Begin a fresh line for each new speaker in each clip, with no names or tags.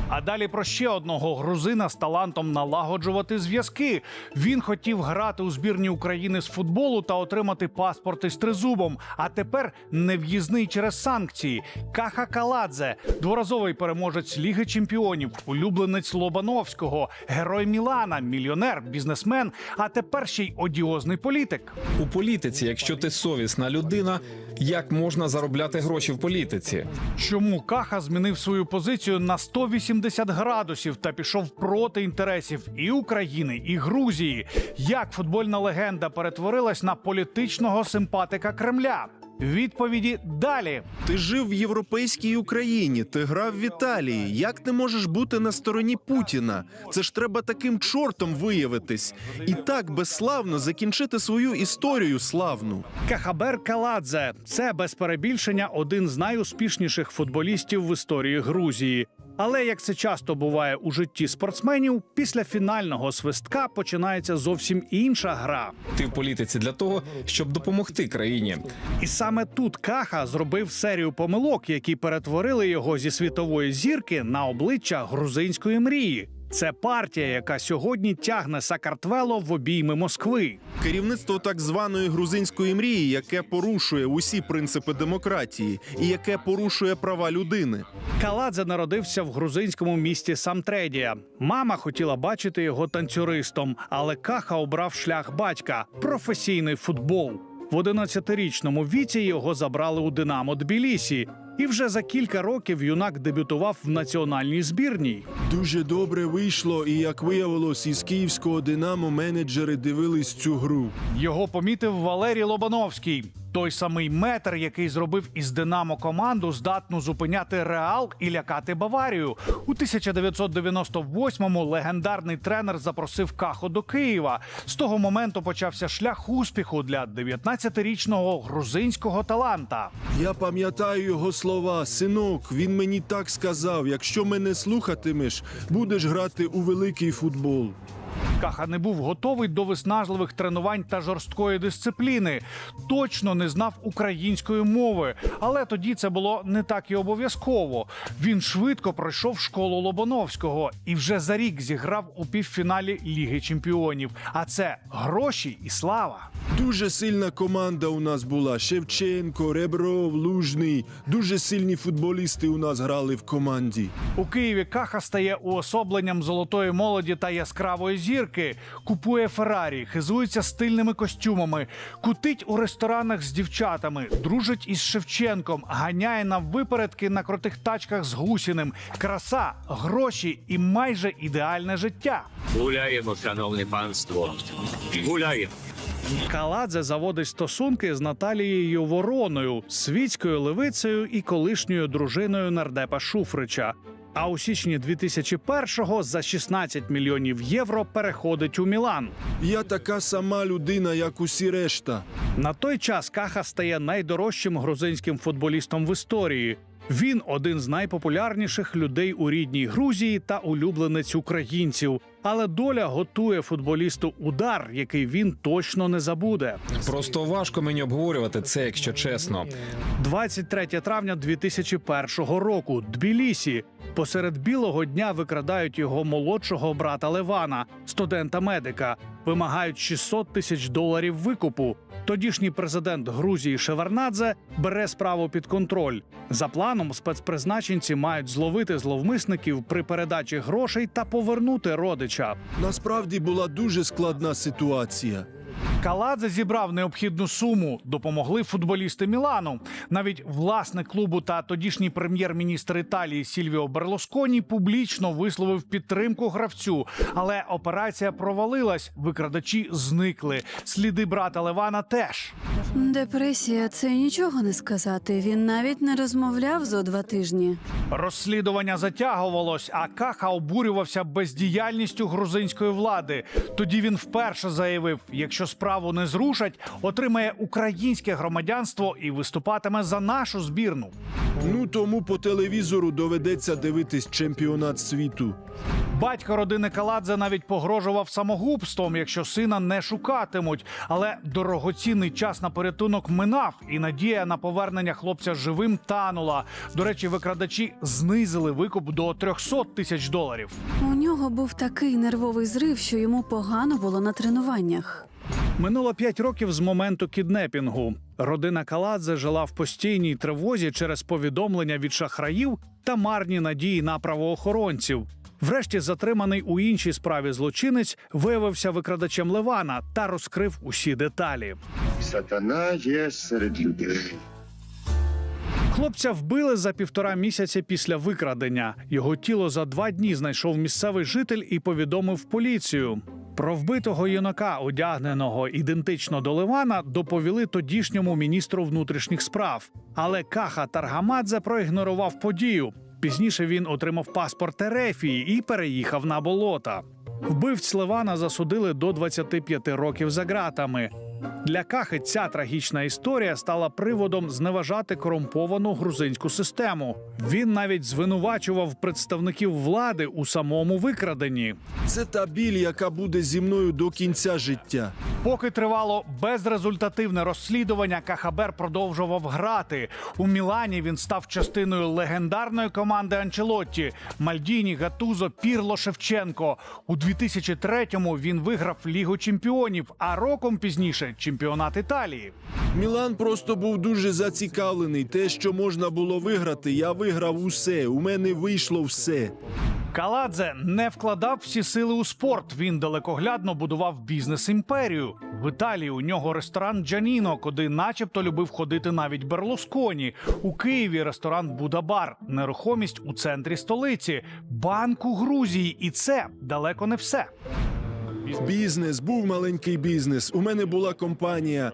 А далі про ще одного грузина з талантом налагоджувати зв'язки. Він хотів грати у збірні України з футболу та отримати паспорт із тризубом. А тепер нев'їзний через санкції. Каха Каладзе – дворазовий переможець Ліги чемпіонів, улюбленець Лобановського, герой Мілана, мільйонер, бізнесмен, а тепер ще й одіозний політик.
У політиці, якщо ти совісна людина, як можна заробляти гроші в політиці?
Чому Каха змінив свою позицію на 180 градусів та пішов проти інтересів і України, і Грузії? Як футбольна легенда перетворилась на політичного симпатика Кремля? Відповіді далі.
Ти жив в європейській Україні, ти грав в Італії. Як ти можеш бути на стороні Путіна? Це ж треба таким чортом виявитись. І так безславно закінчити свою історію славну.
Кахабер Каладзе – це без перебільшення один з найуспішніших футболістів в історії Грузії. Але, як це часто буває у житті спортсменів, після фінального свистка починається зовсім інша гра.
Ти в політиці для того, щоб допомогти країні.
І саме тут Каха зробив серію помилок, які перетворили його зі світової зірки на обличчя грузинської мрії. Це партія, яка сьогодні тягне Сакартвело в обійми Москви.
Керівництво так званої грузинської мрії, яке порушує усі принципи демократії і яке порушує права людини.
Каладзе народився в грузинському місті Самтредія. Мама хотіла бачити його танцюристом, але Каха обрав шлях батька – професійний футбол. В 11-річному віці його забрали у «Динамо» Тбілісі. І вже за кілька років юнак дебютував в національній збірній.
Дуже добре вийшло, і, як виявилось, із київського «Динамо» менеджери дивились цю гру.
Його помітив Валерій Лобановський. Той самий метр, який зробив із «Динамо» команду, здатну зупиняти «Реал» і лякати «Баварію». У 1998-му легендарний тренер запросив Каху до Києва. З того моменту почався шлях успіху для 19-річного грузинського таланта.
Я пам'ятаю його слова. Синок, він мені так сказав, якщо мене слухатимеш, будеш грати у великий футбол.
Каха не був готовий до виснажливих тренувань та жорсткої дисципліни. Точно не знав української мови. Але тоді це було не так і обов'язково. Він швидко пройшов школу Лобановського і вже за рік зіграв у півфіналі Ліги чемпіонів. А це гроші і слава.
Дуже сильна команда у нас була. Шевченко, Ребров, Лужний. Дуже сильні футболісти у нас грали в команді.
У Києві Каха стає уособленням золотої молоді та яскравої зірки. Купує Феррарі, хизується стильними костюмами, кутить у ресторанах з дівчатами, дружить із Шевченком, ганяє на випередки на крутих тачках з Гусіним. Краса, гроші і майже ідеальне життя.
Гуляємо, шановне панство. Гуляємо.
Каладзе заводить стосунки з Наталією Вороною, світською левицею і колишньою дружиною нардепа Шуфрича. А у січні 2001-го за 16 мільйонів євро переходить у Мілан.
Я така сама людина, як усі решта.
На той час Каха стає найдорожчим грузинським футболістом в історії. Він один з найпопулярніших людей у рідній Грузії та улюбленець українців. Але доля готує футболісту удар, який він точно не забуде.
Просто важко мені обговорювати це, якщо чесно.
23 травня 2001 року. Тбілісі. Посеред білого дня викрадають його молодшого брата Левана, студента-медика. Вимагають $600 тисяч викупу. Тодішній президент Грузії Шеварднадзе бере справу під контроль. За планом, спецпризначенці мають зловити зловмисників при передачі грошей та повернути родича.
Насправді була дуже складна ситуація.
Каладзе зібрав необхідну суму, допомогли футболісти Мілану. Навіть власник клубу та тодішній прем'єр-міністр Італії Сільвіо Берлусконі публічно висловив підтримку гравцю. Але операція провалилась, викрадачі зникли. Сліди брата Левана теж.
Депресія – це нічого не сказати. Він навіть не розмовляв зо 2 тижні.
Розслідування затягувалось, а Каха обурювався бездіяльністю грузинської влади. Тоді він вперше заявив, якщо справді справу не зрушать, отримає українське громадянство і виступатиме за нашу збірну.
Ну тому по телевізору доведеться дивитись чемпіонат світу.
Батько родини Каладзе навіть погрожував самогубством, якщо сина не шукатимуть. Але дорогоцінний час на порятунок минав, і надія на повернення хлопця живим танула. До речі, викрадачі знизили викуп до $300 тисяч.
У нього був такий нервовий зрив, що йому погано було на тренуваннях.
Минуло 5 років з моменту кіднепінгу. Родина Каладзе жила в постійній тривозі через повідомлення від шахраїв та марні надії на правоохоронців. Врешті затриманий у іншій справі злочинець виявився викрадачем Левана та розкрив усі деталі.
Сатана є серед людей.
Хлопця вбили за 1,5 місяця після викрадення. Його тіло за 2 дні знайшов місцевий житель і повідомив поліцію. Про вбитого юнака, одягненого ідентично до Левана, доповіли тодішньому міністру внутрішніх справ. Але Каха Таргамадзе проігнорував подію. Пізніше він отримав паспорт Ерефії і переїхав на болота. Вбивць Левана засудили до 25 років за ґратами. Для Кахи ця трагічна історія стала приводом зневажати корумповану грузинську систему. Він навіть звинувачував представників влади у самому викраденні.
Це та біль, яка буде зі мною до кінця життя.
Поки тривало безрезультативне розслідування, Кахабер продовжував грати. У Мілані він став частиною легендарної команди Анчелотті – Мальдіні, Гатузо, Пірло, Шевченко. У 2003-му він виграв Лігу чемпіонів, а роком пізніше – чемпіонат Італії.
Мілан просто був дуже зацікавлений. Те, що можна було виграти, я виграв усе. У мене вийшло все.
Каладзе не вкладав всі сили у спорт. Він далекоглядно будував бізнес-імперію. В Італії у нього ресторан «Джаніно», куди начебто любив ходити навіть Берлусконі. У Києві ресторан «Будабар», нерухомість у центрі столиці, банк у Грузії. І це далеко не все.
Бізнес, був маленький бізнес. У мене була компанія.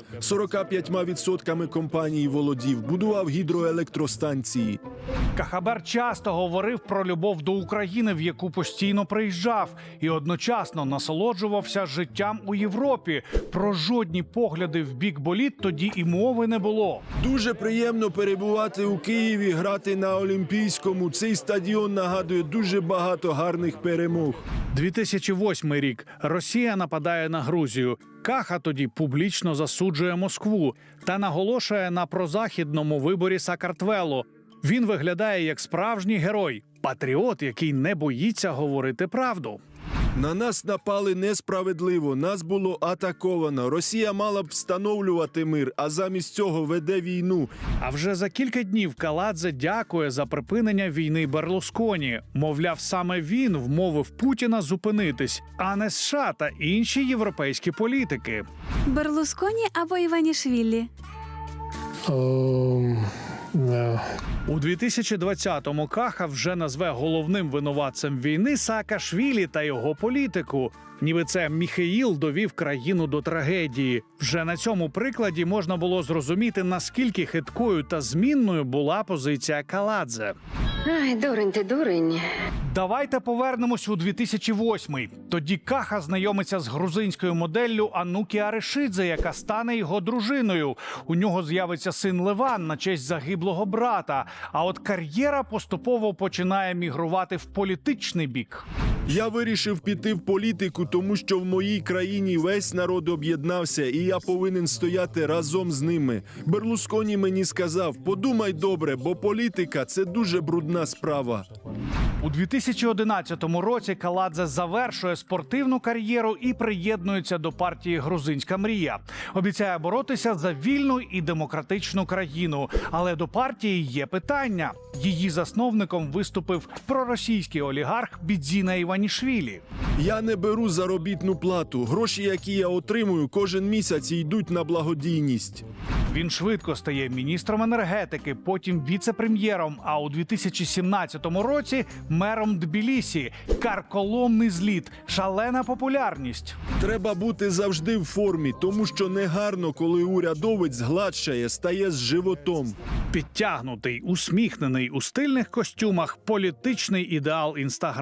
45% компанії володів. Будував гідроелектростанції.
Кахабер часто говорив про любов до України, в яку постійно приїжджав, і одночасно насолоджувався життям у Європі. Про жодні погляди в бік боліт тоді і мови не було.
Дуже приємно перебувати у Києві, грати на Олімпійському. Цей стадіон нагадує дуже багато гарних перемог.
2008 рік. Росія нападає на Грузію. Каха тоді публічно засуджує Москву та наголошує на прозахідному виборі Саакартвелу. Він виглядає як справжній герой, патріот, який не боїться говорити правду.
На нас напали несправедливо, нас було атаковано. Росія мала б встановлювати мир, а замість цього веде війну.
А вже за кілька днів Каладзе дякує за припинення війни Берлусконі. Мовляв, саме він вмовив Путіна зупинитись, а не США та інші європейські політики.
Берлусконі або Іванішвілі?
У 2020-му Каха вже назве головним винуватцем війни Саакашвілі та його політику. Ніби це Міхеїл довів країну до трагедії. Вже на цьому прикладі можна було зрозуміти, наскільки хиткою та змінною була позиція Каладзе.
Ай, дурень ти, дурень.
Давайте повернемось у 2008-й. Тоді Каха знайомиться з грузинською моделлю Анукі Аришидзе, яка стане його дружиною. У нього з'явиться син Леван на честь загиблого брата. А от кар'єра поступово починає мігрувати в політичний бік.
Я вирішив піти в політику, тому що в моїй країні весь народ об'єднався, і я повинен стояти разом з ними. Берлусконі мені сказав: подумай добре, бо політика – це дуже брудна справа.
У 2011 році Каладзе завершує спортивну кар'єру і приєднується до партії «Грузинська мрія». Обіцяє боротися за вільну і демократичну країну. Але до партії є питання. Її засновником виступив проросійський олігарх Бідзіна Іванішвілі.
Я не беру заробітну плату. Гроші, які я отримую, кожен місяць йдуть на благодійність.
Він швидко стає міністром енергетики, потім віце-прем'єром, а у 2017 році мером Тбілісі. Карколомний зліт, шалена популярність.
Треба бути завжди в формі, тому що негарно, коли урядовець гладшає, стає з животом.
Підтягнутий, усміхнений, у стильних костюмах, політичний ідеал Інстаграм.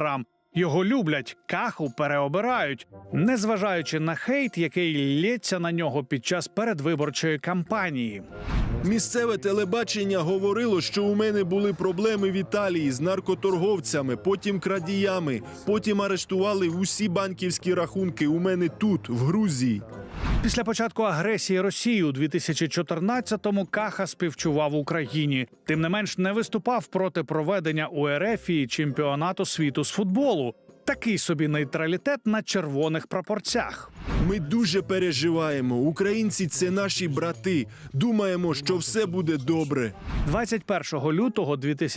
Його люблять, Каху переобирають, незважаючи на хейт, який лється на нього під час передвиборчої кампанії.
Місцеве телебачення говорило, що у мене були проблеми в Італії з наркоторговцями, потім крадіями, потім арештували усі банківські рахунки у мене тут, в Грузії.
Після початку агресії Росії у 2014-му Каха співчував Україні. Тим не менш, не виступав проти проведення у РФ чемпіонату світу з футболу. Такий собі нейтралітет на червоних прапорцях.
Ми дуже переживаємо. Українці – це наші брати. Думаємо, що все буде добре.
21 лютого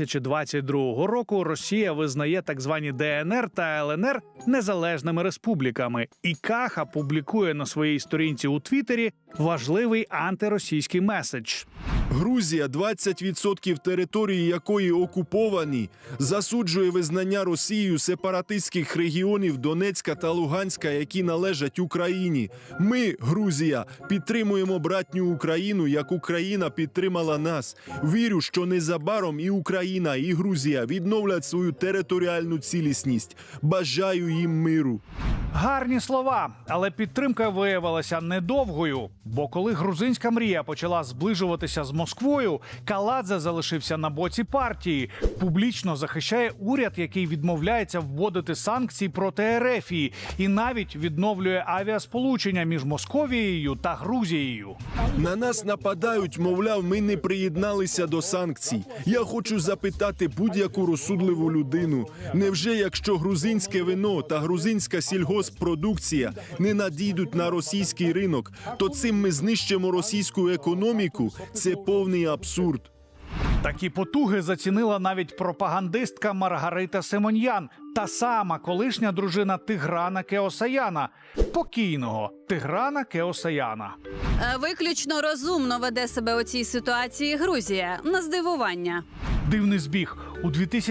2022 року Росія визнає так звані ДНР та ЛНР незалежними республіками. І Каха публікує на своїй сторінці у Твіттері важливий антиросійський меседж.
Грузія, 20% території якої окуповані, засуджує визнання Росією сепаратистських регіонів Донецька та Луганська, які належать Україні. Ми, Грузія, підтримуємо братню Україну, як Україна підтримала нас. Вірю, що незабаром і Україна, і Грузія відновлять свою територіальну цілісність. Бажаю їм миру.
Гарні слова, але підтримка виявилася недовгою. Бо коли грузинська мрія почала зближуватися з Москвою, Каладзе залишився на боці партії. Публічно захищає уряд, який відмовляється вводити санкції проти РФ і навіть відновлює авіасполучення між Московією та Грузією.
На нас нападають, мовляв, ми не приєдналися до санкцій. Я хочу запитати будь-яку розсудливу людину. Невже, якщо грузинське вино та грузинська сільгосппродукція не надійдуть на російський ринок, то цим ми знищимо російську економіку? Це повний абсурд.
Такі потуги зацінила навіть пропагандистка Маргарита Симоньян, та сама колишня дружина Тиграна Кеосаяна, покійного Тиграна Кеосаяна.
Виключно розумно веде себе у цій ситуації Грузія, на здивування.
Дивний збіг. У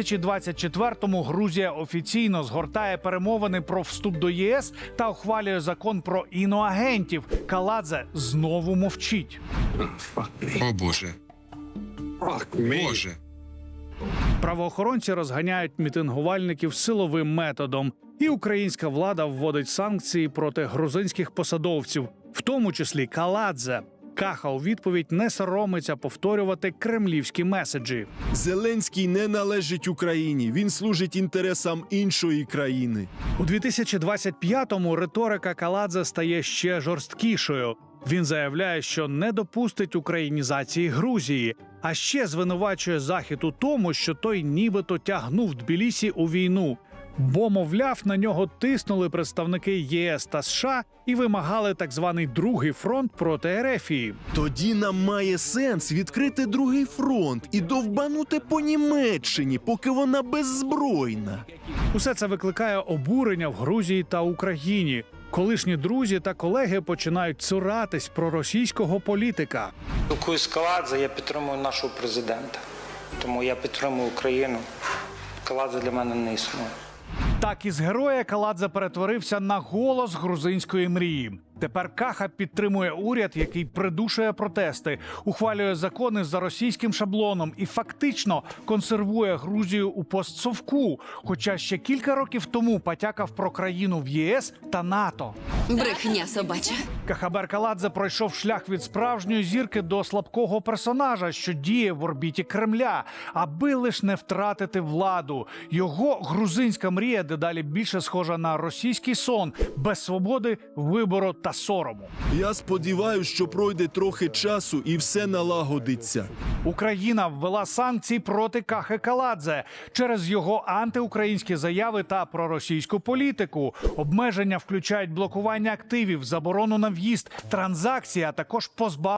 2024-му Грузія офіційно згортає перемовини про вступ до ЄС та ухвалює закон про іноагентів. Каладзе знову мовчить.
О Боже. Боже.
Правоохоронці розганяють мітингувальників силовим методом. І українська влада вводить санкції проти грузинських посадовців, в тому числі Каладзе. Каха у відповідь не соромиться повторювати кремлівські меседжі.
Зеленський не належить Україні. Він служить інтересам іншої країни.
У 2025-му риторика Каладзе стає ще жорсткішою. Він заявляє, що не допустить українізації Грузії, а ще звинувачує Захід у тому, що той нібито тягнув Тбілісі у війну. Бо, мовляв, на нього тиснули представники ЄС та США і вимагали так званий другий фронт проти РФ.
Тоді нам має сенс відкрити другий фронт і довбанути по Німеччині, поки вона беззбройна.
Усе це викликає обурення в Грузії та Україні. Колишні друзі та колеги починають цуратись проросійського політика.
Спілкуюсь з Каладзе, я підтримую нашого президента. Тому я підтримую Україну. Каладзе для мене не існує.
Так із героя Каладзе перетворився на голос грузинської мрії. Тепер Каха підтримує уряд, який придушує протести, ухвалює закони за російським шаблоном і фактично консервує Грузію у постсовку, хоча ще кілька років тому потякав про країну в ЄС та НАТО.
Брехня собача.
Кахабер Каладзе пройшов шлях від справжньої зірки до слабкого персонажа, що діє в орбіті Кремля, аби лиш не втратити владу. Його грузинська мрія дедалі більше схожа на російський сон, без свободи, вибору та сорому.
Я сподіваюся, що пройде трохи часу і все налагодиться.
Україна ввела санкції проти Кахи Каладзе через його антиукраїнські заяви та проросійську політику. Обмеження включають блокування активів, заборону на в'їзд, транзакції, а також позбавлення